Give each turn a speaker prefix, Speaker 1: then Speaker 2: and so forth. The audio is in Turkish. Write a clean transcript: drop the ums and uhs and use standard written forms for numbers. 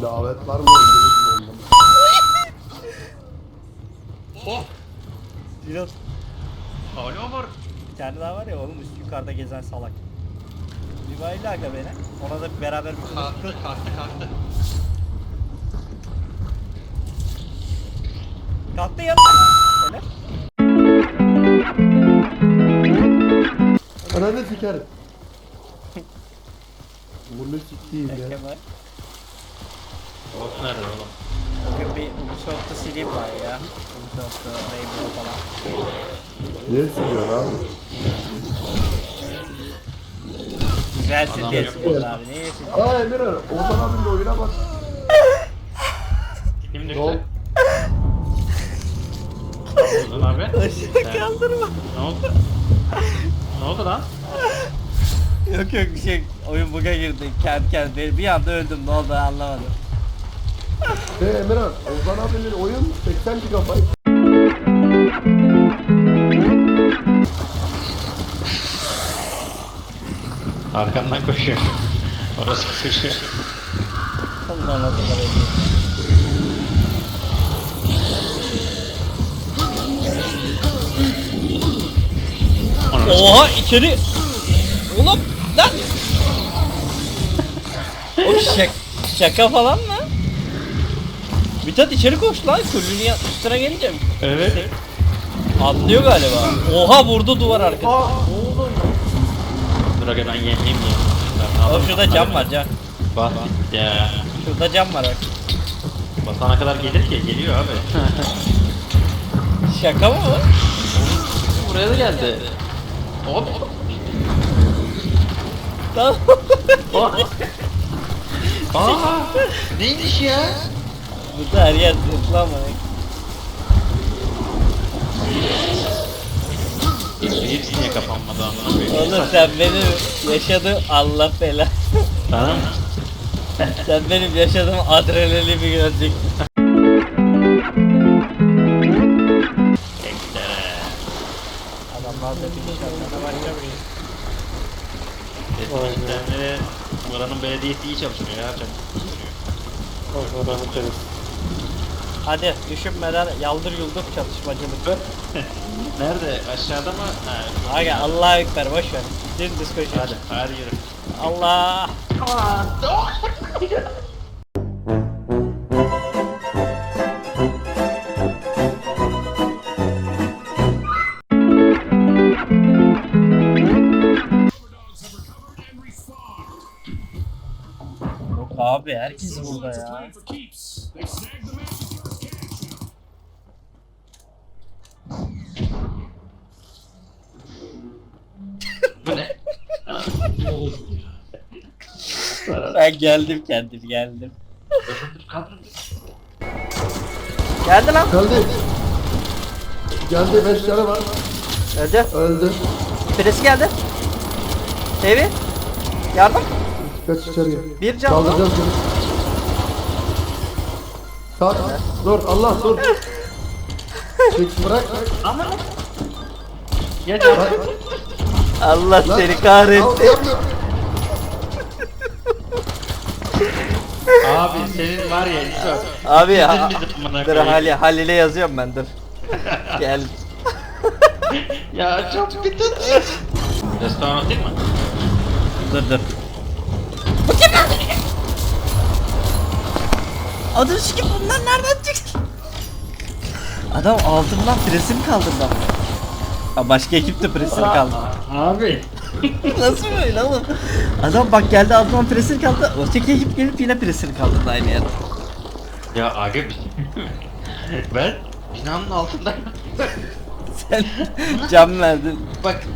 Speaker 1: Davet var mı? Öldünüz mü?
Speaker 2: Oh!
Speaker 3: Biraz
Speaker 2: Hala var.
Speaker 3: bir tane daha var ya oğlum üst yukarıda gezen salak. Rivayle aga beni. Ona da beraber bir
Speaker 2: Kalktı.
Speaker 3: kalktı yanına. Öyle.
Speaker 1: Ananı sikerim. Bunu sikeyim ya.
Speaker 3: Kemal.
Speaker 2: Of nerede oğlum?
Speaker 3: Bugün bir Ubisoft'ta sileyim var ya. Ubisoft'ta Rainbow falan.
Speaker 1: Niye siliyorsun abi?
Speaker 3: Güzelsin
Speaker 2: Adam
Speaker 3: diye
Speaker 2: yok.
Speaker 3: siliyoruz abi. Niye siliyorsun?
Speaker 1: Aa Emirhan, Ozan abinin oyuna bak.
Speaker 2: Kim
Speaker 1: Ne oldu?
Speaker 2: düştü? Ozan abi.
Speaker 3: Aşağı kaldırma.
Speaker 2: Ne oldu? Ne oldu lan?
Speaker 3: Yok bir şey. Oyun bug'a girdi. Kendi bir anda öldüm. Ne oldu anlamadım.
Speaker 1: Emirhan, Ozan abinin oyun 80 GB.
Speaker 2: Arkandan koşuyor. Orası koşuyor.
Speaker 3: Allah Allah. Oha içeri. Oğlum lan. O şaka falan mı? Mithat içeri koş lan. Kulünün üstüne gelince mi?
Speaker 2: Evet.
Speaker 3: Atlıyor galiba. Oha vurdu duvar arkasına.
Speaker 2: Dur aga ben yeneyim ya.
Speaker 3: Oğlum şurada cam var cam.
Speaker 2: Bas ya.
Speaker 3: Şurada cam var bak.
Speaker 2: Basana kadar gelir ki geliyor abi.
Speaker 3: Şaka mı bu?
Speaker 2: Buraya da geldi. Hop.
Speaker 3: Tamam.
Speaker 2: Aa, neymiş ya?
Speaker 3: Burada her yer zıplama.
Speaker 2: Hepsi niye kapanmadı amına koyayım?
Speaker 3: Oğlum sen benim yaşadığım Allah bela.
Speaker 2: Tamam mı?
Speaker 3: Sen benim yaşadığım adrenalini göreceksin. Adamlar da bir nişanlarına başlamış.
Speaker 2: Eskişehir'de buranın belediyesi iyi çalışıyor ya.
Speaker 3: Hadi düşünmeden yaldır yuldur çalışmacılık.
Speaker 2: Nerede? Aşağıda mı? Ha.
Speaker 3: Aga Allah'a ekber boş ver. Dümdüz koşuyor.
Speaker 2: Hadi yürü.
Speaker 3: Allah. Yok abi herkes burada ya.
Speaker 2: Bu ne?
Speaker 3: Ben geldim kendim geldim. Geldi lan.
Speaker 1: Geldi. Geldi 5 tane var.
Speaker 3: Öldü.
Speaker 1: Öldü.
Speaker 3: Birisi geldi. Evi. Yardım.
Speaker 1: Kaç içeri.
Speaker 3: Bir can.
Speaker 1: Kaldıracağız seni. Kalk. Dur Allah dur. Çık bırak.
Speaker 2: Ama ya
Speaker 1: Bırak.
Speaker 3: Allah
Speaker 1: Lan.
Speaker 3: seni kahretsin.
Speaker 1: Al, yapma.
Speaker 2: abi senin var ya İsa.
Speaker 3: Abi ya.
Speaker 2: Bitirdin bizi amına
Speaker 3: Dur
Speaker 2: koyayım.
Speaker 3: Halil'e yazıyorum ben dur. Gel.
Speaker 2: Ya çok bitin. Restoran atayım mı?
Speaker 3: Dur. Bu kim lan? Adım şu kim bunlar nereden çıktı? Adam altından presim kaldırdı. Ha başka ekip de presim kaldı.
Speaker 2: Abi.
Speaker 3: Nasıl böyle oğlum? Adam bak geldi altından presim kaldı. Öteki ekip gelip yine presim kaldırdı aynı yerde.
Speaker 2: Ya abi ben binanın altındayım.
Speaker 3: Sen cam verdin.
Speaker 2: Bak